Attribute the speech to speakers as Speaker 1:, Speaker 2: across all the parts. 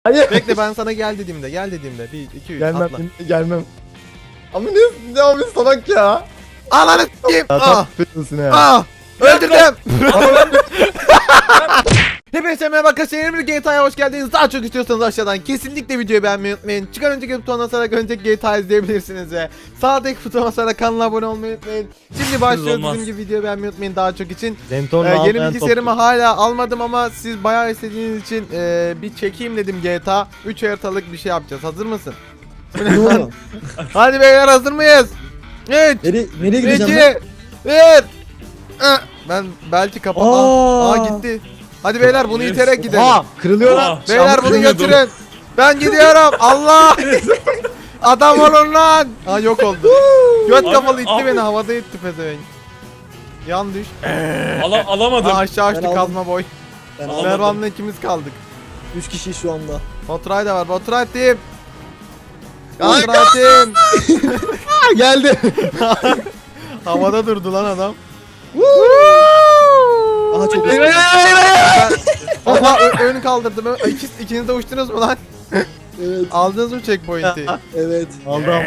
Speaker 1: Hayır.
Speaker 2: Bekle ben sana gel dediğimde. 1 2 3
Speaker 1: Gelmem.
Speaker 2: atla.
Speaker 1: Gelmem. Ama ne abi salak ya.
Speaker 2: Ananı s**eyim.
Speaker 1: Ya
Speaker 2: Ah.
Speaker 1: tatlı ya.
Speaker 2: Ah. Öldürdüm. Hepinize merhaba arkadaşlar, bir GTA'ya hoş geldiniz. Daha çok istiyorsanız aşağıdan kesinlikle videoyu beğenmeyi unutmayın. Çıkan önceki butonuna basarak önceki GTA izleyebilirsiniz ve sağdaki butona basarak kanala abone olmayı unutmayın. Şimdi başlıyoruz, bizim gibi videoyu beğenmeyi unutmayın daha çok için. Yeni bilgisayarımı hala almadım ama siz bayağı istediğiniz için bir çekeyim dedim GTA. 3 haritalık bir şey yapacağız. Hazır mısın? Hadi beyler, hazır mıyız? 3
Speaker 3: Nereye gideceğim
Speaker 2: 2 1 Ben belki kapat. Gitti. Hadi beyler bunu iterek gidelim.
Speaker 1: Kırılıyor lan.
Speaker 2: Beyler bunu götürün. Ben gidiyorum. Allah. Adam olun lan. Yok oldu. Göt kafalı itti beni, havada itti pezevenk. Yan düş.
Speaker 4: Alamadım.
Speaker 2: Aşağı açtı
Speaker 3: Ben aldım.
Speaker 2: kazma boy.
Speaker 3: Ben aldım.
Speaker 2: Mervan'la ikimiz kaldık.
Speaker 3: 3 kişi şu anda.
Speaker 2: Baturay da var. Baturay team. Baturay team.
Speaker 1: Geldi.
Speaker 2: Havada durdu lan adam.
Speaker 3: Aha çok
Speaker 2: Allah ön kaldırdım. İkiniz de uçtunuz mu lan?
Speaker 3: Evet.
Speaker 2: Aldınız mı checkpoint'i?
Speaker 3: Evet.
Speaker 1: Aldım.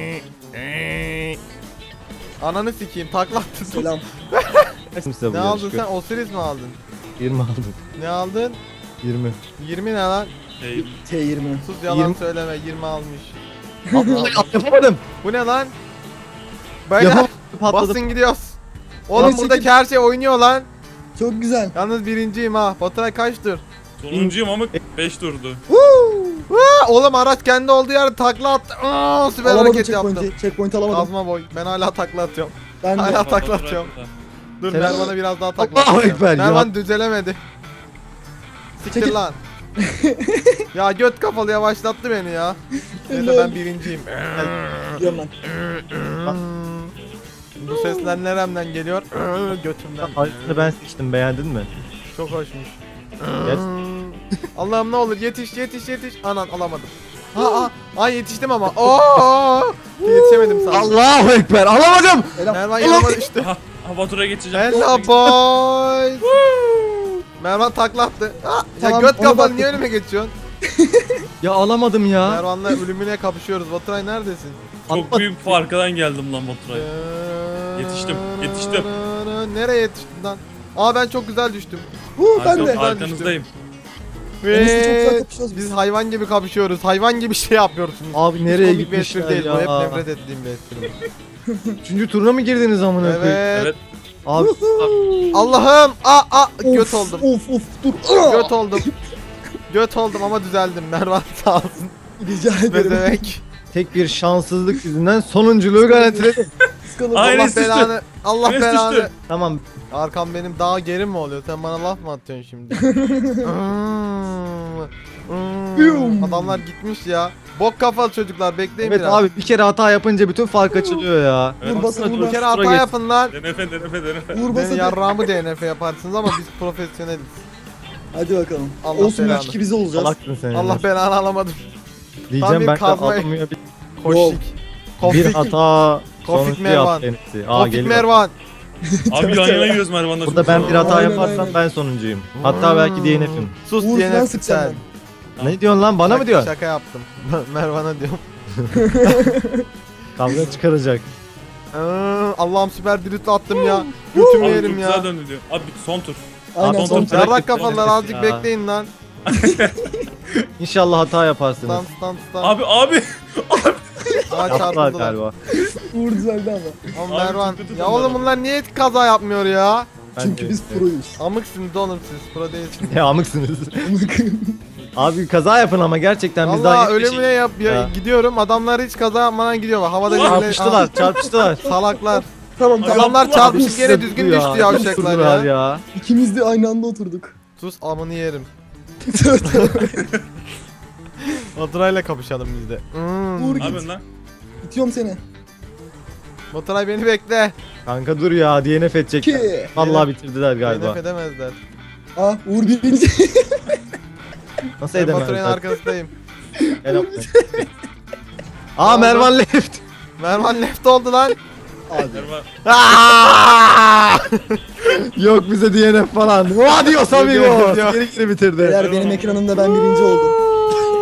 Speaker 2: Ananı sikeyim, takla attın.
Speaker 3: Selam.
Speaker 2: Ne aldın sen? Osiris mi aldın?
Speaker 1: 20 aldım.
Speaker 2: Ne aldın?
Speaker 1: 20.
Speaker 2: 20 ne lan?
Speaker 3: T20.
Speaker 2: Sus, yalan
Speaker 1: 20.
Speaker 2: söyleme, 20 almış.
Speaker 1: Yapamadım.
Speaker 2: Bu ne lan? Beyler
Speaker 1: Patladı.
Speaker 2: basın gidiyoruz. Oğlum
Speaker 3: Evet,
Speaker 2: buradaki
Speaker 3: çekil.
Speaker 2: her şey oynuyor lan.
Speaker 3: Çok güzel.
Speaker 2: Yalnız birinciyim ha. Baturay kaçtır?
Speaker 4: Sonuncuyum ama 5 turdu.
Speaker 2: Oğlum araç kendi olduğu yerde takla attı. Süper
Speaker 3: Alamadım
Speaker 2: hareket yaptım.
Speaker 3: checkpoint alamadım.
Speaker 2: Kazma boy. Ben hala takla atıyorum.
Speaker 3: Ben de.
Speaker 2: Hala takla atıyorum. Dur
Speaker 1: Selam.
Speaker 2: Mervan'a biraz daha takla
Speaker 1: Allahu
Speaker 2: atacağım.
Speaker 1: Ekber ya.
Speaker 2: Mervan düzelemedi. Siktir
Speaker 3: Çekil.
Speaker 2: lan. Ya göt kafalı yavaşlattı beni ya. Neyse ben birinciyim.
Speaker 3: Gidiyorum ben.
Speaker 2: Bu sesler neremden geliyor? Götümden.
Speaker 1: Haritasını ben seçtim, beğendin mi?
Speaker 2: Çok hoşmuş.
Speaker 1: Yes.
Speaker 2: Allah'ım ne olur yetiş. Anan alamadım. Ay yetiştim ama. Yetişemedim sana.
Speaker 1: Allahu Ekber, alamadım.
Speaker 2: Mervan yanıma düştü.
Speaker 4: Batur'a geçeceğim.
Speaker 2: Hello boys. Mervan takla attı. Ya
Speaker 3: Tamam,
Speaker 2: göt
Speaker 3: ona
Speaker 2: kafalı
Speaker 3: baktık.
Speaker 2: niye önüme geçiyorsun?
Speaker 1: Ya alamadım ya.
Speaker 2: Mervan'la ölümüne kapışıyoruz. Baturay neredesin?
Speaker 4: Çok büyük farkından geldim lan Batur'a. Yetiştim.
Speaker 2: Nereye yetiştin lan? Ben çok güzel düştüm.
Speaker 3: Ben de.
Speaker 4: Arkanızdayım.
Speaker 3: Enes'le çok güzel
Speaker 2: Ve
Speaker 3: kapışıyoruz
Speaker 2: biz hayvan gibi kapışıyoruz. Hayvan gibi şey yapıyorsunuz.
Speaker 1: Abi
Speaker 2: Hiç
Speaker 1: nereye
Speaker 2: komik bir espri
Speaker 1: gitmişler
Speaker 2: değil bu. Hep
Speaker 1: ya?
Speaker 2: nefret ettiğim bir espri.
Speaker 1: 3. turuna mı girdiniz amına koyayım?
Speaker 2: Evet.
Speaker 4: Evet.
Speaker 1: Abi
Speaker 2: Allah'ım. Göt oldum.
Speaker 3: Of dur.
Speaker 2: Göt oldum. Göt oldum ama düzeldim. Mervan sağ olsun.
Speaker 3: Rica ederim.
Speaker 2: Bezemek.
Speaker 1: tek bir şanssızlık yüzünden sonunculuğu garantiledim.
Speaker 3: Sıkalım.
Speaker 4: Aynen.
Speaker 2: Allah
Speaker 4: Enes düştü.
Speaker 2: belanı. Allah
Speaker 4: Enes
Speaker 2: belanı.
Speaker 4: düştü.
Speaker 1: Tamam.
Speaker 2: Arkam benim daha geri mi oluyor? Sen bana laf mı atıyorsun şimdi? Adamlar gitmiş ya. Bok kafalı çocuklar, bekleyin
Speaker 1: Evet
Speaker 2: biraz.
Speaker 1: abi, bir kere hata yapınca bütün fark açılıyor ya.
Speaker 3: Vur basın
Speaker 2: Bir
Speaker 3: vur
Speaker 2: kere
Speaker 3: basın.
Speaker 2: hata yapın lan.
Speaker 4: DNF.
Speaker 3: Vur
Speaker 2: Beni
Speaker 3: basın.
Speaker 2: yarrağımı DNF yaparsınız ama biz profesyoneliz.
Speaker 3: Hadi bakalım.
Speaker 2: Allah
Speaker 3: Olsun
Speaker 2: belanı.
Speaker 3: 3-2 biz olacağız.
Speaker 1: Salaksın sen.
Speaker 2: Allah belanı alamadım. Tam
Speaker 1: Diyeceğim
Speaker 2: bir
Speaker 1: ben de
Speaker 2: kazma-
Speaker 1: alamıyor.
Speaker 2: Koşik.
Speaker 1: Bir
Speaker 2: Kofik.
Speaker 1: hata
Speaker 2: Kofik
Speaker 1: sonucu
Speaker 2: Mervan.
Speaker 1: yaptı Enes'i.
Speaker 2: Kofik
Speaker 1: Geliyor.
Speaker 2: Mervan.
Speaker 4: Abi yan yana gidiyoruz Mervan'la.
Speaker 1: Burada ben bir hata
Speaker 3: Aynen,
Speaker 1: yaparsam
Speaker 3: aynen.
Speaker 1: ben sonuncuyum. Hatta belki DNF'im.
Speaker 2: Sus
Speaker 3: Uğur falan
Speaker 2: DNF
Speaker 3: sıkacağım
Speaker 2: sen.
Speaker 1: Ne diyorsun lan, bana mı diyorsun?
Speaker 2: Şaka yaptım. Mervan'a diyorum.
Speaker 1: Kavga çıkaracak.
Speaker 2: Allah'ım süper drift attım ya. Götümü
Speaker 4: Abi
Speaker 2: yerim
Speaker 4: çok
Speaker 2: ya.
Speaker 4: güzel döndü diyor. Abi son tur.
Speaker 3: Aynen
Speaker 1: Son
Speaker 3: son
Speaker 1: tur.
Speaker 3: tur.
Speaker 2: Yarrak kafalılar, azıck
Speaker 1: Ya.
Speaker 2: bekleyin lan.
Speaker 1: İnşallah hata yaparsınız.
Speaker 2: Stand.
Speaker 4: Abi.
Speaker 1: Yaptılar
Speaker 2: Çarpıldılar.
Speaker 1: galiba.
Speaker 3: Uğur düzeldi ama.
Speaker 2: Ama
Speaker 4: Abi,
Speaker 2: Mervan.
Speaker 4: tutun
Speaker 2: Ya
Speaker 4: bunları.
Speaker 2: oğlum bunlar niye kaza yapmıyor ya?
Speaker 1: Ben
Speaker 3: Çünkü
Speaker 1: de-
Speaker 3: biz proyuz.
Speaker 2: Amıksınız oğlum siz. Pro değilsiniz.
Speaker 1: Ya amıksınız. Abi kaza yapın ama gerçekten biz daha
Speaker 2: Valla ölümüne
Speaker 1: Ya.
Speaker 2: gidiyorum. Adamlar hiç kaza yapmadan gidiyorlar. Havada böyle
Speaker 1: çarpıştılar.
Speaker 2: salaklar.
Speaker 3: Tamam
Speaker 4: Adam-
Speaker 2: Adamlar çarpışıp yere
Speaker 1: Abi,
Speaker 2: düzgün
Speaker 1: ya,
Speaker 2: düştü yavşaklar
Speaker 1: durdular
Speaker 2: ya.
Speaker 3: İkimiz de aynı anda oturduk.
Speaker 2: Sus amını yerim. Baturay'la kapışalım biz de.
Speaker 3: Uğur
Speaker 4: Ne
Speaker 3: git.
Speaker 4: yapıyorsun lan?
Speaker 3: İtiyorum seni.
Speaker 2: Baturay beni bekle.
Speaker 1: Kanka dur ya, DNF edecekler.
Speaker 3: 2.
Speaker 1: Vallahi bitirdiler galiba.
Speaker 2: DNF edemezler.
Speaker 3: Uğur birinci.
Speaker 1: Nasıl
Speaker 2: Ben Baturay'ın
Speaker 1: edemezler?
Speaker 2: arkasındayım.
Speaker 1: Mervan left.
Speaker 2: Mervan left oldu lan.
Speaker 3: Abi.
Speaker 4: Mervan.
Speaker 1: Yok bize DNF falan. Adios amigos.
Speaker 2: Yok.
Speaker 1: Geri bitirdi.
Speaker 3: Beyler benim ekranımda ben birinci oldum.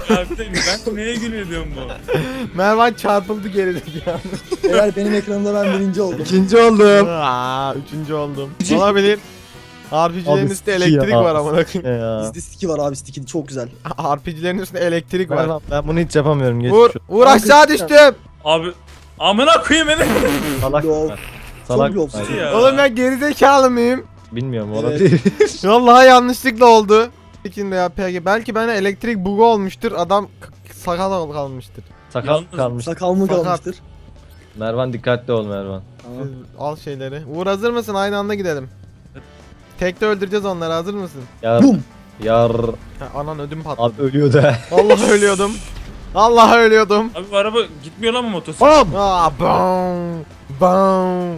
Speaker 4: Harbiden ben neye gülüyor diyorum bu.
Speaker 2: Mervan çarpıldı geride ya.
Speaker 3: Eğer benim ekranımda ben birinci oldum.
Speaker 1: İkinci oldum.
Speaker 2: Üçüncü oldum. Olabilir. RPG'lerin
Speaker 1: Abi
Speaker 2: üstünde
Speaker 1: sticky
Speaker 2: elektrik
Speaker 1: ya.
Speaker 2: var amına koyayım.
Speaker 1: Ya.
Speaker 3: Bizde sticky var abi, sticky çok güzel.
Speaker 2: RPG'lerin üstünde elektrik var.
Speaker 1: Ben bunu hiç yapamıyorum. Geç
Speaker 2: Vur,
Speaker 1: şu.
Speaker 2: vur aşağı düştüm.
Speaker 4: Abi amına koyayım beni.
Speaker 1: Salak.
Speaker 3: Lol.
Speaker 1: Salak.
Speaker 3: Çok lobster.
Speaker 1: Hayır.
Speaker 4: Ya.
Speaker 2: Oğlum ben gerizekalı mıyım?
Speaker 1: Bilmiyorum
Speaker 3: Evet.
Speaker 1: olabilir.
Speaker 2: Vallahi yanlışlıkla oldu. İkinde ya PG. Belki bana elektrik bugu olmuştur. Adam sakal kalmıştır.
Speaker 1: Sakal
Speaker 4: Yalnız-
Speaker 1: kalmış.
Speaker 3: Sakal mı
Speaker 2: Fakat-
Speaker 3: kalmıştır?
Speaker 1: Mervan dikkatli ol Mervan.
Speaker 3: Tamam.
Speaker 2: Al şeyleri. Uğur hazır mısın? Aynı anda gidelim. Tekte öldüreceğiz onları. Hazır mısın?
Speaker 1: Yar.
Speaker 3: Bum.
Speaker 1: Yar.
Speaker 2: Ha, anan ödüm patladı.
Speaker 1: Abi ölüyor da.
Speaker 2: Allah ölüyordum. Allah ölüyordum.
Speaker 4: Abi bu araba gitmiyor lan mı motosiklet?
Speaker 1: Bam.
Speaker 2: Bam. Bam.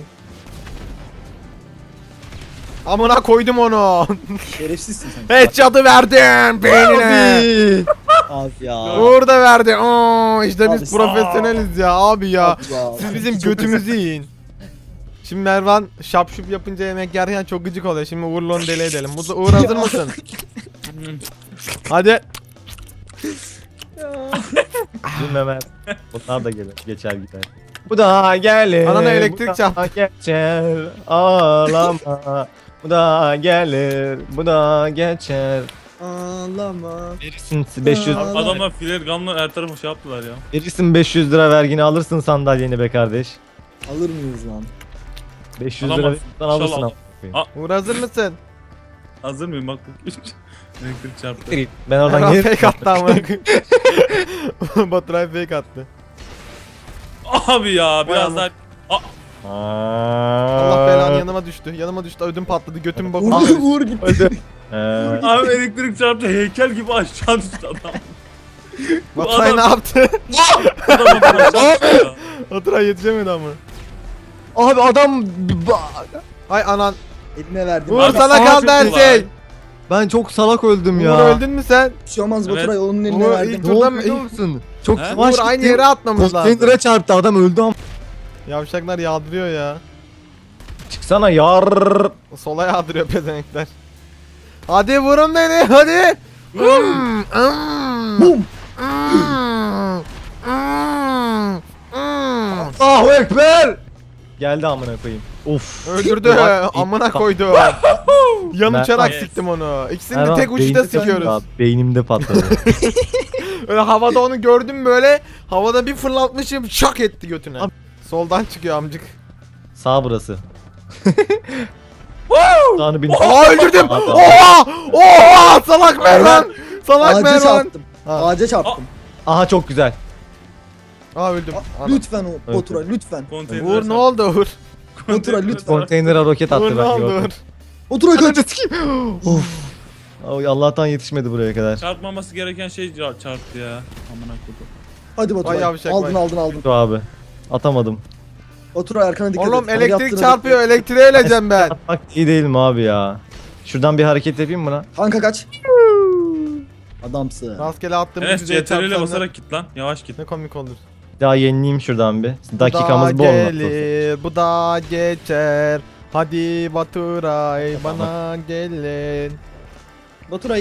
Speaker 2: Amına koydum onu.
Speaker 3: Şerefsizsin sen.
Speaker 2: Headshot'ı verdim beynine.
Speaker 1: Abi.
Speaker 3: Abi ya.
Speaker 2: Uğur da verdi. İşte
Speaker 3: Abi
Speaker 2: biz
Speaker 3: sağ-
Speaker 2: profesyoneliz ya abi ya.
Speaker 3: Abi ya.
Speaker 2: Siz bizim
Speaker 3: Çok
Speaker 2: götümüzü yiyin. Şimdi Mervan şapşup yapınca yemek yerken çok gıcık oluyor. Şimdi Uğur'la onu deli edelim. Uğur hazır mısın? Hadi.
Speaker 1: Bilmem. Bunlar da gelir. Geçer gider. Bu da gelir.
Speaker 2: Anana elektrik
Speaker 1: bu da
Speaker 2: çarptı.
Speaker 1: Geçer. Ağlama. Bu da gelir. Bu da geçer.
Speaker 3: Ağlama.
Speaker 1: Verirsin 500
Speaker 3: Aa.
Speaker 4: Adamlar filer gamla her tarafı şey yaptılar ya.
Speaker 1: verirsin 500 lira vergini alırsın sandalyeni be kardeş.
Speaker 3: Alır mıyız lan?
Speaker 1: 500 lira
Speaker 4: Alamazsın.
Speaker 1: verirsen alırsın.
Speaker 4: İnşallah.
Speaker 1: ama.
Speaker 2: Uğur hazır mısın?
Speaker 4: Hazır mıyım bak. Elektrik çarptı.
Speaker 1: Ben oradan
Speaker 2: Mervan
Speaker 1: geri
Speaker 2: fake attı ama. Baturay fake attı.
Speaker 4: Abi ya biraz
Speaker 2: Vay
Speaker 4: daha.
Speaker 2: Allah belanı yanıma düştü. Yanıma düştü. Ödüm patladı. Götüm bakıyor.
Speaker 3: Uğur, Uğur gitti.
Speaker 4: Abi elektrik çarptı heykel gibi aşağı düştü adam.
Speaker 2: Baturay
Speaker 4: adam-
Speaker 2: ne yaptı?
Speaker 4: Adam aşağı düştü ya.
Speaker 2: Baturay yetişemedi ama.
Speaker 1: Abi adam
Speaker 2: Hay anan.
Speaker 3: Eline verdim.
Speaker 2: Uğur
Speaker 4: Abi,
Speaker 2: sana
Speaker 4: sağ
Speaker 2: kaldı her
Speaker 4: çok
Speaker 2: şey.
Speaker 4: var.
Speaker 1: ben çok salak öldüm
Speaker 2: Uğur
Speaker 1: ya.
Speaker 2: öldün mü sen?
Speaker 3: Bir şey olmaz
Speaker 4: Evet.
Speaker 3: Baturay, onun eline
Speaker 2: Uğur
Speaker 3: verdim.
Speaker 2: ilk
Speaker 1: Ne
Speaker 2: turda
Speaker 1: oldu
Speaker 2: mı?
Speaker 1: biliyor musun? Çok
Speaker 4: He?
Speaker 1: yavaş
Speaker 2: Uğur aynı
Speaker 1: gittim.
Speaker 2: yere atmamız lazım.
Speaker 1: Konteynere çarptı adam öldü ama.
Speaker 2: Yavşaklar yağdırıyor ya.
Speaker 1: Çıksana yar.
Speaker 2: Sola yağdırıyor pezenekler. Hadi vurun beni hadi.
Speaker 3: Bum.
Speaker 1: Allahu ekber. Geldi amına koyayım. Of.
Speaker 2: Öldürdü.
Speaker 1: Bak,
Speaker 2: Amına koydu. Yan
Speaker 1: Ben-
Speaker 2: uçarak
Speaker 4: Evet.
Speaker 2: siktim onu. İkisini de
Speaker 1: Mervan,
Speaker 2: tek uçta
Speaker 1: beynimde
Speaker 2: sikiyoruz.
Speaker 1: patladı. Beynimde patladı.
Speaker 2: Öyle havada onu gördüm böyle. Havada bir fırlatmışım şak etti götüne.
Speaker 1: Abi-
Speaker 2: Soldan çıkıyor amcık.
Speaker 1: Sağ burası. Sağını bil.
Speaker 2: Aa öldürdüm.
Speaker 1: Adam.
Speaker 2: Oha! Oha! Salak Mervan. Salak
Speaker 3: Ağaca
Speaker 2: Mervan.
Speaker 3: çarptım.
Speaker 2: Ha.
Speaker 3: Ağaca çarptım.
Speaker 1: Aha çok güzel.
Speaker 2: Aa öldüm. Ana.
Speaker 3: Lütfen o Baturay, lütfen.
Speaker 4: Konteyner
Speaker 2: Uğur ne oldu Uğur?
Speaker 3: Baturay lütfen.
Speaker 1: Konteynere roket attı
Speaker 2: Uğur ne
Speaker 1: ben
Speaker 2: oldu
Speaker 1: gördüm.
Speaker 2: Uğur?
Speaker 3: Baturay kaç.
Speaker 1: Of. Ay, Allah'tan yetişmedi buraya kadar.
Speaker 4: Çarpmaması gereken şey çarptı ya. Amına koydum.
Speaker 3: Hadi
Speaker 2: Vay
Speaker 3: Baturay.
Speaker 2: yavşak
Speaker 3: Aldın
Speaker 2: vay.
Speaker 3: aldın.
Speaker 1: Dur abi. Atamadım.
Speaker 3: Baturay arkana dikkat et.
Speaker 2: Oğlum
Speaker 3: Sana
Speaker 2: elektrik
Speaker 3: yaptığını
Speaker 2: çarpıyor. Elektriğe öleceğim ben.
Speaker 1: Bak iyi değil mi abi ya? Şuradan bir hareket yapayım mı lan?
Speaker 3: bekle. Kanka kaç. Adamsın.
Speaker 2: Rastgele attığım
Speaker 4: Enes
Speaker 2: düzeye
Speaker 4: CTRL ile
Speaker 2: çarpsam
Speaker 4: basarak git lan. Yavaş git.
Speaker 2: ne komik olur.
Speaker 1: Daha yenileyim şuradan bir.
Speaker 2: Bu
Speaker 1: Dakikamız
Speaker 2: da
Speaker 1: bol olmak
Speaker 2: gelir, bu da geçer. Hadi Baturay bana gelin.
Speaker 3: Baturay.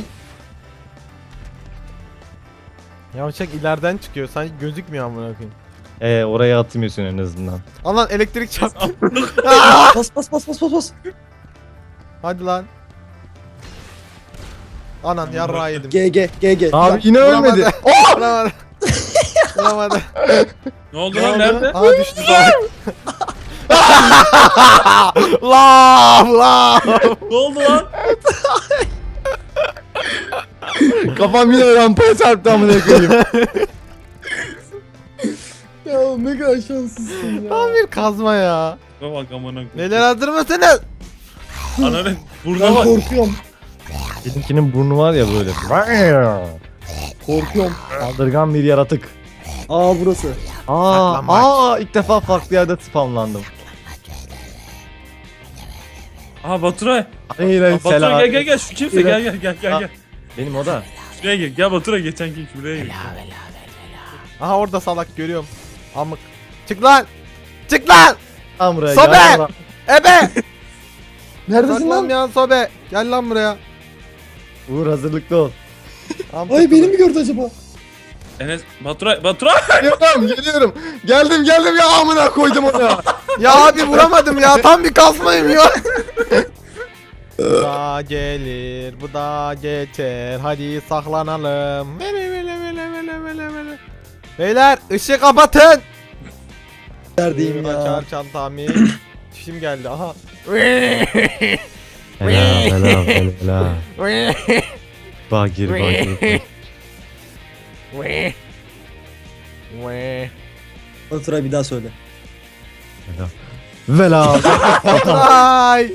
Speaker 2: Yavşak ileriden çıkıyor. Sanki gözükmüyor amına koyayım.
Speaker 1: Oraya atmıyorsun en azından.
Speaker 2: Alan elektrik çarptı.
Speaker 3: Bas bas bas bas bas bas.
Speaker 2: Hadi lan. Anan yarrağı yedim.
Speaker 3: GG.
Speaker 1: Abi yine
Speaker 2: Vuramadı.
Speaker 1: ölmedi.
Speaker 2: Vuramadı. Vuramadı.
Speaker 4: Ne oldu
Speaker 2: Ne
Speaker 4: lan
Speaker 2: oldu?
Speaker 4: nerede?
Speaker 2: Aa düştü salak. Lav.
Speaker 4: Ne oldu lan?
Speaker 1: Kafam yine rampaya çarptı amına koyayım.
Speaker 3: Ya ne kadar şanslısın ya.
Speaker 2: Tam bir kazma ya.
Speaker 4: Bak amına koydum.
Speaker 2: Neler hazır mısınız?
Speaker 4: Ananı
Speaker 3: Ben
Speaker 4: burnuna bak.
Speaker 3: korkuyorum.
Speaker 1: Benimkinin burnu var ya böyle.
Speaker 3: Korkuyorum.
Speaker 1: Saldırgan bir yaratık.
Speaker 3: Burası.
Speaker 2: Saklanmaç.
Speaker 1: ilk defa farklı yerde spamlandım.
Speaker 4: Aha Baturay.
Speaker 1: Hayır hayır selam.
Speaker 4: Baturay gel şu kimse gel.
Speaker 1: Benim o da.
Speaker 4: Şuraya gel. Gel Baturay geçen gün şuraya gel.
Speaker 2: Aha orada salak görüyorum. Amık. Çık lan. Çık lan.
Speaker 1: Tam buraya
Speaker 2: Sobe!
Speaker 1: gel lan.
Speaker 2: Ebe.
Speaker 3: Neredesin lan?
Speaker 2: Saklanmayan sobe. Gel lan buraya.
Speaker 1: Uğur hazırlıklı ol.
Speaker 2: Am
Speaker 3: Ay beni mi gördü acaba?
Speaker 4: Enes Baturay.
Speaker 1: Geliyorum. Geldim ya amına koydum onu ya.
Speaker 2: Ya abi vuramadım ya. Tam bir kasmayım ya. Bu da gelir, bu da geçer. Hadi saklanalım. Vele. Beyler ışığı kapatın.
Speaker 3: Neredeyim ya?
Speaker 2: Açar çantamı. Çişim geldi. Aha.
Speaker 1: Helal. Bagir.
Speaker 3: Baturay bir daha söyle.
Speaker 1: Vela.
Speaker 2: Ay.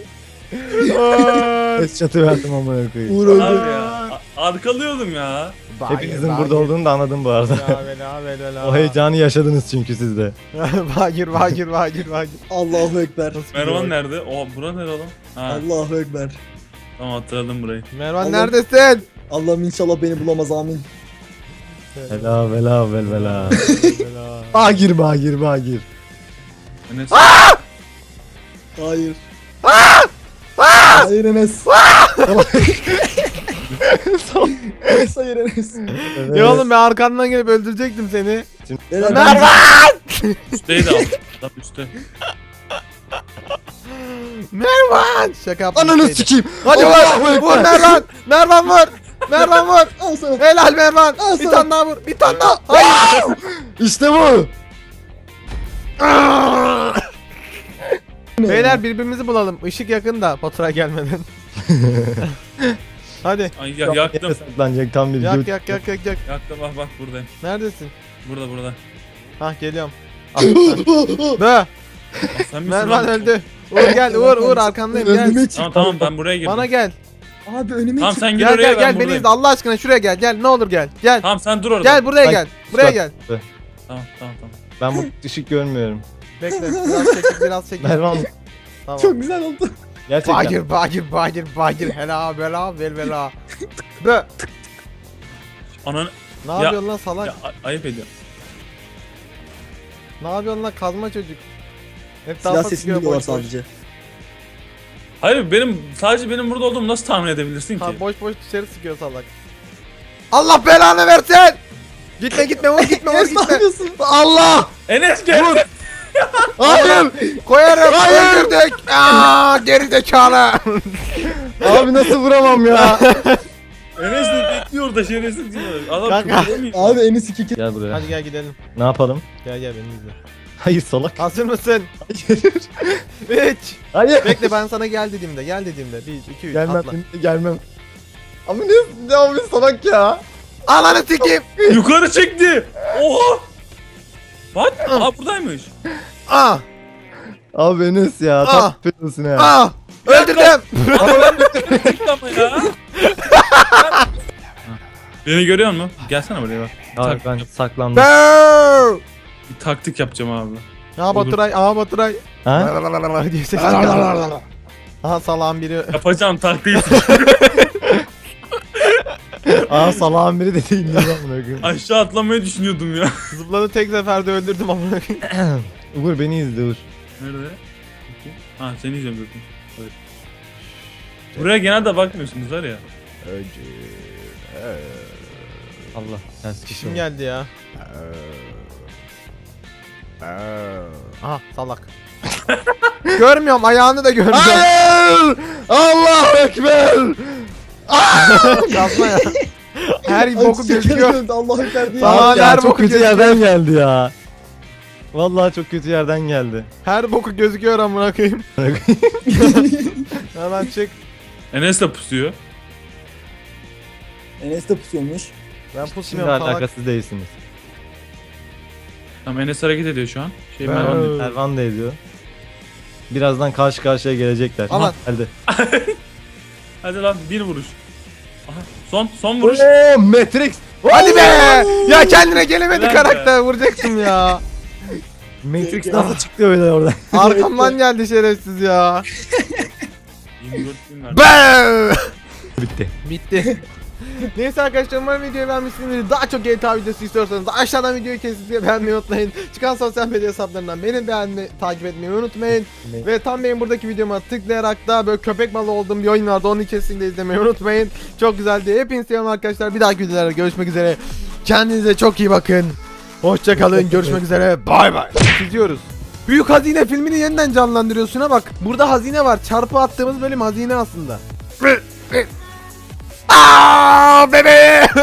Speaker 1: Es çatı verdim amına koyayım.
Speaker 3: Uğur
Speaker 4: Abi
Speaker 3: öldü.
Speaker 4: ya. Arkalıyordum ya.
Speaker 1: Hepinizin burada olduğunu da anladım bu arada. O heyecanı yaşadınız çünkü siz de.
Speaker 2: Bagir.
Speaker 3: Allahu Ekber.
Speaker 4: Mervan nerede? O bura nerede lan? Ha
Speaker 3: Allahu Ekber.
Speaker 4: tamam hatırladım burayı.
Speaker 2: Mervan
Speaker 3: Allah-
Speaker 2: neredesin?
Speaker 3: Allah'ım inşallah beni bulamaz amin.
Speaker 1: Vela. Bagir.
Speaker 4: Enes.
Speaker 3: Hayır. Hayır Enes. Enes hayır Enes.
Speaker 2: Ya oğlum ben arkandan gelip öldürecektim seni.
Speaker 3: Beyler,
Speaker 2: Mervan!
Speaker 4: Üstteydi alt. Tam üstte.
Speaker 2: Mervan! Şaka yaptım.
Speaker 1: Ananı sikeyim.
Speaker 2: Hadi
Speaker 1: Allahu
Speaker 2: vur!
Speaker 1: Ekber.
Speaker 2: Vur Mervan! Mervan vur! Mervan vur!
Speaker 3: Al sana.
Speaker 2: Helal Mervan!
Speaker 3: Al
Speaker 2: Bir
Speaker 3: sana.
Speaker 2: tane daha vur! Bir tane daha! Hayır!
Speaker 1: İşte bu.
Speaker 2: Beyler birbirimizi bulalım. Işık yakında Baturay gelmeden. Hadi.
Speaker 4: Ay yaktım.
Speaker 1: Saklanacak tam bir
Speaker 2: Yak.
Speaker 4: Yaktım bak buradayım.
Speaker 2: Neredesin?
Speaker 4: Burada.
Speaker 2: Hah geliyorum. Bö!
Speaker 4: Aa, sen misin
Speaker 2: Mervan
Speaker 4: lan?
Speaker 2: öldü. Uğur gel Uğur arkandayım gel.
Speaker 3: Önüme çık.
Speaker 4: Tamam ben buraya girdim.
Speaker 2: Bana gel.
Speaker 3: Abi önüme
Speaker 4: Tamam
Speaker 3: çık.
Speaker 4: sen gir
Speaker 2: Gel
Speaker 4: oraya
Speaker 2: gel
Speaker 4: ben
Speaker 2: beni
Speaker 4: buradayım.
Speaker 2: izle Allah aşkına şuraya gel ne olur gel. Gel.
Speaker 4: Tamam sen dur orada.
Speaker 2: Gel buraya
Speaker 1: Ay,
Speaker 2: gel. Buraya
Speaker 1: bak.
Speaker 2: gel.
Speaker 4: Tamam.
Speaker 1: Ben bu ışık görmüyorum.
Speaker 2: Bekle biraz çekil.
Speaker 1: Mervan
Speaker 2: Tamam.
Speaker 3: Çok güzel oldu.
Speaker 1: gerçekten.
Speaker 2: Bagir hela bela. Bö.
Speaker 4: Ananı
Speaker 2: Ne
Speaker 4: Ya-
Speaker 2: yapıyorsun lan salak?
Speaker 4: ya, ayıp ediyor.
Speaker 2: Ne yapıyorsun lan kazma çocuk? Hep
Speaker 3: Silah
Speaker 2: daha
Speaker 3: sesini duyuyorlar sadece.
Speaker 4: Hayır sadece benim burada olduğumu nasıl tahmin edebilirsin ki?
Speaker 2: Ha, boş dışarı sıkıyor salak. Allah belanı versin! Gitme vur gitme.
Speaker 3: yapıyorsun?
Speaker 1: Allah!
Speaker 4: Enes gel.
Speaker 1: Hayır!
Speaker 2: Koyarım öldürdük. Aa, geri zekalı.
Speaker 1: Abi nasıl vuramam ya?
Speaker 4: Enes de bekliyor da şerefsiz diyor. Adam
Speaker 2: Kanka.
Speaker 4: kıpırdamıyor.
Speaker 3: Abi Enes 2
Speaker 1: Gel buraya.
Speaker 2: Hadi gel gidelim.
Speaker 1: Ne yapalım?
Speaker 2: Gel beni izle.
Speaker 1: Hayır salak.
Speaker 2: Hazır mısın?
Speaker 1: Hayır.
Speaker 2: 3.
Speaker 1: Hayır.
Speaker 2: Bekle ben sana gel dediğimde. 1 2 3
Speaker 1: Gelmem.
Speaker 2: atla.
Speaker 1: Gelmem. Ama ne abi salak ya?
Speaker 2: Ananı sikeyim.
Speaker 4: Yukarı çekti. Oha. Bak. Aa buradaymış.
Speaker 2: Ah
Speaker 1: Abi Enes ya.
Speaker 2: Ah.
Speaker 1: Tam yapıyorsun ya.
Speaker 2: ah. Öldürdüm.
Speaker 4: Ama ya. Beni görüyor musun? Gelsene buraya bak.
Speaker 1: Abi ben saklandım.
Speaker 2: Böööö.
Speaker 4: Bir taktik yapacağım abi.
Speaker 2: Aha Baturay.
Speaker 1: Ha?
Speaker 2: diye ses çıkardı. Aha salağın biri.
Speaker 4: Yapacağım taktiği.
Speaker 1: Aa salağın biri de değil mi lan amına koyayım?
Speaker 4: Aşağı atlamayı düşünüyordum ya.
Speaker 2: Zıpladı tek seferde öldürdüm amına koyayım.
Speaker 1: Uğur beni izle Uğur.
Speaker 4: Nerede? Ha seni izliyorum zaten. Evet. Buraya genelde bakmıyorsunuz var ya.
Speaker 1: Allah ters kişi
Speaker 2: Kim
Speaker 1: oldu.
Speaker 2: geldi ya? Aha salak. Görmüyorum ayağını da görmüyorum.
Speaker 1: Hayır! Allahu Ekber!
Speaker 2: Kazma ya. Her boku gözüküyor.
Speaker 3: Allahu Ekber diye.
Speaker 2: Sağ-
Speaker 1: Abi ya,
Speaker 2: her
Speaker 1: çok
Speaker 2: boku
Speaker 1: kötü
Speaker 2: gözüküyor.
Speaker 1: yerden geldi ya. Vallahi çok kötü yerden geldi.
Speaker 2: Her boku gözüküyor amına koyayım. Hemen çık.
Speaker 4: Enes de pusuyor.
Speaker 3: Enes de pusuyormuş.
Speaker 2: Ben
Speaker 1: Şimdi
Speaker 2: pusmuyorum salak.
Speaker 1: alakasız değilsiniz.
Speaker 4: Tamam Enes hareket ediyor şu an.
Speaker 2: Ben-
Speaker 4: Mervan diyor.
Speaker 1: Ervan da ediyor. Birazdan karşı karşıya gelecekler.
Speaker 2: Aman.
Speaker 1: Aha, geldi.
Speaker 4: Hadi lan bir vuruş. Aha, son vuruş.
Speaker 1: Oo Matrix.
Speaker 2: Hadi be! Ya kendine gelemedi
Speaker 4: Ulan be.
Speaker 2: karakter vuracaktım ya.
Speaker 1: Matrix nasıl çıktı öyle oradan?
Speaker 2: Arkamdan geldi şerefsiz ya.
Speaker 4: 24 bin verdi.
Speaker 2: Be!
Speaker 1: Bitti.
Speaker 2: Bitti. Neyse arkadaşlar umarım videoyu beğenmişsinizdir. Daha çok GTA videosu istiyorsanız aşağıdan videoyu kesinlikle beğenmeyi unutmayın. Çıkan sosyal medya hesaplarından beni takip etmeyi unutmayın. Ve tam benim buradaki videoma tıklayarak da böyle köpek balığı olduğum bir oyun vardı. Onu kesinlikle izlemeyi unutmayın. Çok güzeldi. Hepinizi seviyorum arkadaşlar. Bir dahaki videolarda görüşmek üzere. Kendinize çok iyi bakın. Hoşça kalın. Görüşmek üzere. Bay bay. Çiziyoruz. Büyük Hazine filmini yeniden canlandırıyorsun ha bak. Burada hazine var. Çarpı attığımız bölüm hazine aslında. Aa bebeğim.